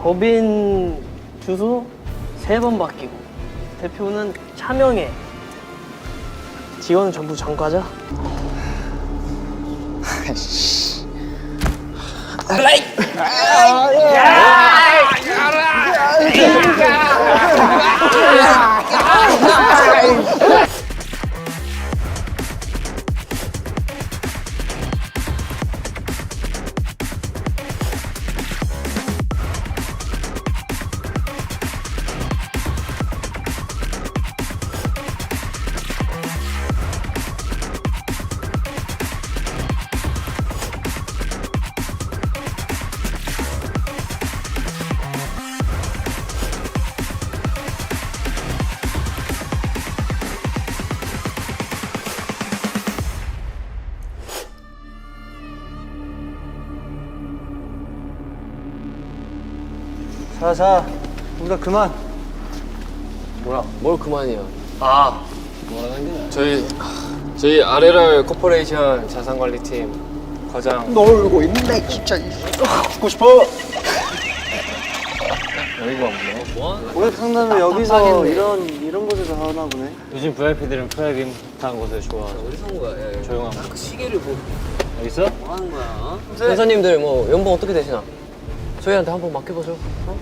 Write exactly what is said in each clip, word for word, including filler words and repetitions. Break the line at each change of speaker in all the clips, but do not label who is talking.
법인 주소 세 번 바뀌고 대표는 차명해. 직원은 전부 전과자.
자, 자, 우리가 그만.
뭐야? 뭘 그만이야?
아, 뭐라는 게?
저희 저희 아르알 코퍼레이션 자산관리팀 과장
놀고 있네, 진짜. 죽고 싶어.
여기가 없네. 뭐?
고객 상담을 여기서 이런 이런 곳에서 하나 보네.
요즘 브이아이피들은 프라이빗 한 곳을 좋아하죠.
어디서 온 거야? 야, 야.
조용한 곳.
그 시계를 뭐,
여기 있어?
뭐 하는 거야? 선사님들 뭐 연봉 어떻게 되시나? 저희한테 한번 맡겨보죠. 어?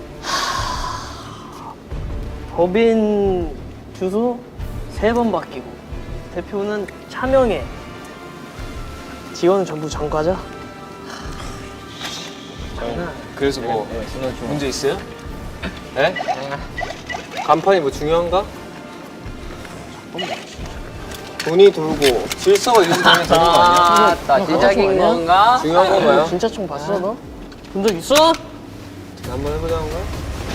법인 주소 세 번 바뀌고 대표는 차명해. 직원은 전부 전과자.
그래서 뭐 문제 있어요? 네? 간판이 뭐 중요한가? 돈이 돌고 질서가 유지되면 되는 거 아니야?
나 시작인 건가?
중요한 거 봐요.
진짜 총 봤어 너? 본 적 있어?
한번 해보자는 거야?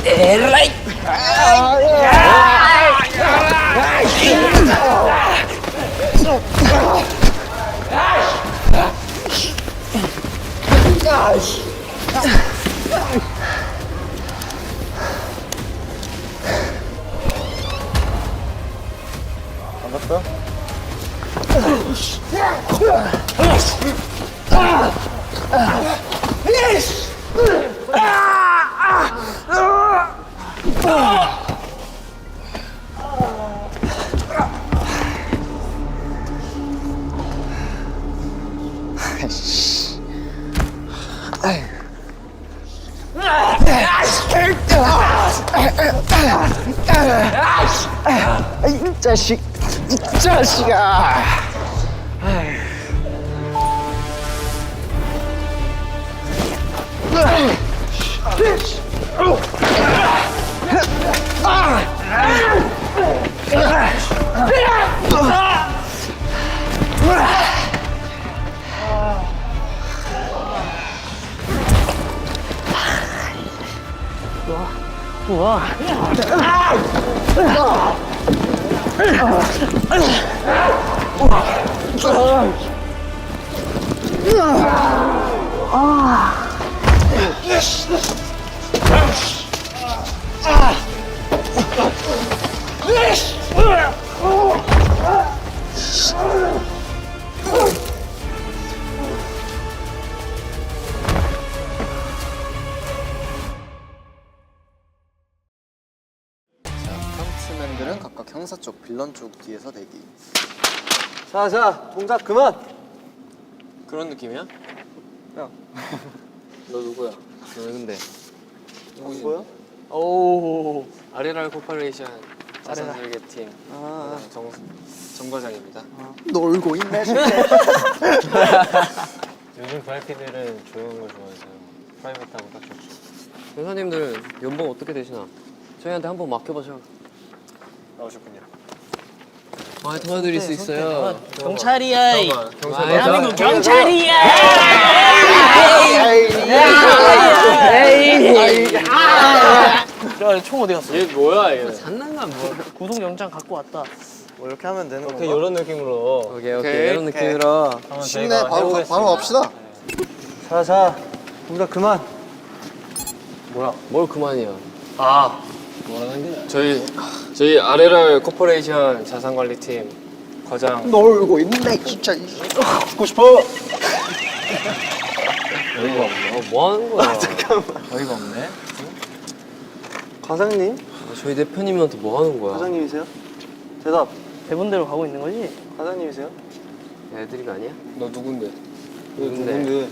반갑다. 이 자식, 이 자식아.
우와.
펀치맨들은 각각 형사 쪽, 빌런 쪽 뒤에서 대기.
자, 자, 동작 그만.
그런 느낌이야?
야,
너 누구야? 너 근데 누구지?
뭐야?
오.
아르알 코퍼레이션 자산설계팀
아,
정, 정 과장입니다.
놀고 있네.
요즘 브이아이피들은 조용한 걸 좋아해서 프라이빗하고 딱 좋죠.
선사님들 연봉 어떻게 되시나? 저희한테 한번 맡겨보죠.
나오셨군요.
아, 도와드릴 수 있어요.
경찰이야. 이.
잠깐만, 경찰
대한민국 경찰이야. 야, 총 어디 갔어?
얘 뭐야 얘? 장난감 뭐?
구속영장 갖고 왔다.
뭐 이렇게 하면 되는 건가?
그냥 이런 느낌으로
오케이 오케이 이런 느낌으로.
한번
쉽네.
저희가
바로
해보겠습니다.
바로 갑시다.
자, 자, 우리가 그만.
뭐야? 뭘 그만이야?
아,
뭐라는 게?
저희 저희 아르알 코퍼레이션 자산관리팀 과장
놀고 있네, 진짜.
죽고 싶어.
여기가 없네.
어, 뭐 하는 거야?
여기가 없네.
과장님?
아, 저희 대표님한테 뭐 하는 거야?
과장님이세요? 대답.
대본대로 가고 있는 거지?
과장님이세요?
애드립 아니야?
너 누군데?
누군데?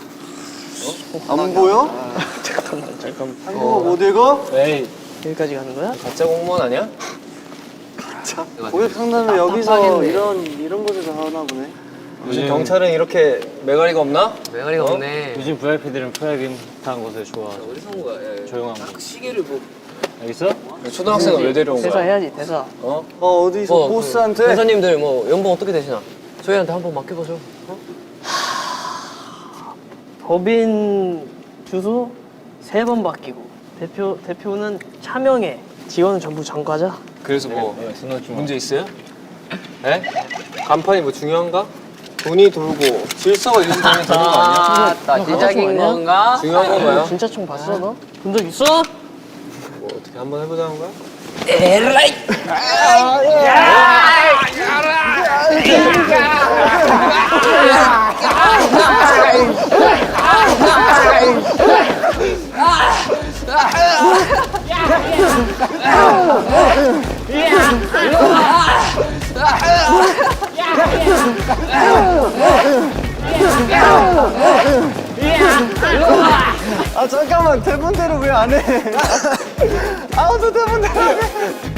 안 보여?
잠깐만 잠깐만.
한국어 못 읽어?
에이,
여기까지 가는 거야?
가짜 공무원 아니야?
자, 고객 상담을 여기서
답답하겠네.
이런 이런 곳에서 하나 보네.
요즘 경찰은 이렇게 매가리가 없나?
매가리가
어?
없네.
요즘 브이아이피들은 프라이빗한 곳을 좋아하죠.
어디서 온 거야? 야, 야.
조용한 곳.
딱 시계를 뭐.
알겠어? 초등학생을 왜 데려온
대사
거야?
해야지 대사.
어?
어 어디서
뭐,
보스한테?
그 회사님들 뭐 연봉 어떻게 되시나? 저희한테 한번 맡겨보죠. 어?
법인 주소 세 번 바뀌고 대표 대표는 차명해. 직원은 전부 전과자.
그래서 뭐 문제 있어요? 에? 간판이 뭐 중요한가? 돈이 돌고 질서가 유지되면 되는 거 아니야?
아,
너
시작인
아니야?
건가?
중요한 건가요?
진짜 총 봤어 너? 본 적 있어?
뭐 어떻게 한번 해보자는 거야?
에라이!
아 잠깐만 대본대로 왜 안 해? 아무도 대본대로 안 해.